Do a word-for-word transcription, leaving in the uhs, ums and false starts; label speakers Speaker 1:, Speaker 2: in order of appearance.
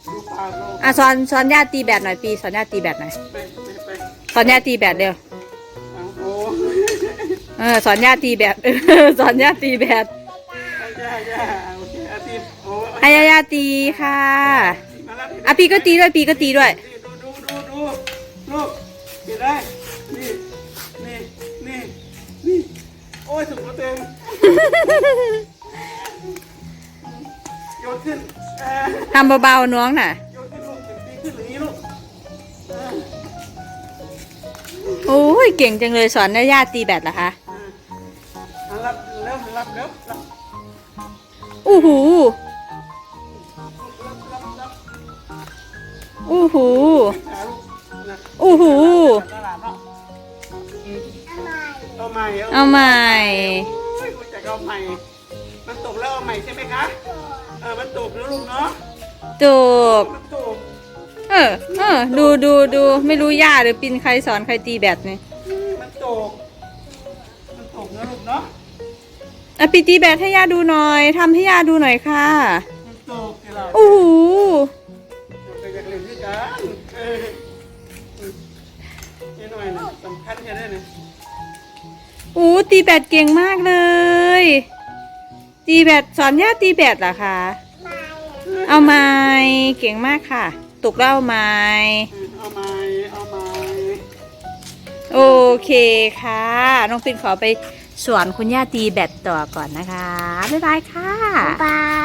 Speaker 1: ดูปากลูก
Speaker 2: อ่ะสอนสอนย่าตีแบดหน่อยปีสอนย่าตีแบดหน่อย
Speaker 1: ไปไปไป
Speaker 2: สอนย่าตีแบดเร็ว
Speaker 1: เอาโอ้
Speaker 2: เออสอนย่าตีแบด สอนย่าตีแบด
Speaker 1: ย่าย่าโอเคอาทิตย์โอ้
Speaker 2: ให้ย่าย่าตีค่ะ
Speaker 1: มาแล้ว
Speaker 2: อ่ะปีก็ตีด้วยปีก็ตีด้วย
Speaker 1: ดูดูดูดูลูกเห็นได้นี่นี่นี่นี่โอ้ยสุกเต็มโยนขึ้นเออ
Speaker 2: ทำเบาๆน้องน่ะ
Speaker 1: โยนขึ้นลูกตีขึ้นหรือนี้ลูกเออ
Speaker 2: โอ้ยเก่งจังเลยสอนย่าย่าตีแบดเหรอคะ
Speaker 1: เอารับเร็วรับเร็วรับ
Speaker 2: อู้หู
Speaker 1: รับรับรับ
Speaker 2: อู้หู
Speaker 1: หาลูกนะ
Speaker 2: อู้หู
Speaker 1: ตลาดเนาะเอาใหม่
Speaker 2: เอาใหม่
Speaker 1: โอ้ยรู้จักเอาใหม่ มันตกแล้วเอาใหม่ใช่ไหมคะเออมันตกแล้วลูกเนาะ
Speaker 2: จูบ
Speaker 1: มันตก
Speaker 2: เออเออดูดูดูไม่รู้ย่าหรือปินใครสอนใครตีแบดนี่
Speaker 1: มันตกมันตกนะลูกเนาะ
Speaker 2: อ่ะปีตีแบดให้ย่าดูหน่อยทำให้ย่าดูหน่อยค่ะ
Speaker 1: มันตกกี่เรา
Speaker 2: อู้หู
Speaker 1: ไปอยากเล่นด้วยกันเออนี่หน่อยนะสำคัญแค่ไหนเนี่ย
Speaker 2: อู้ตีแบดเก่งมากเลย ตีแบดสอนย่าตีแบดเหรอคะเอาไม้เก่งมากค่ะตกแล้วเอาไม้
Speaker 1: เอาไม้เอาไม้
Speaker 2: โอเคค่ะน้องปินขอไปสอนคุณย่าตีแบดต่อก่อนนะคะบ๊ายบายค่ะ
Speaker 3: บาย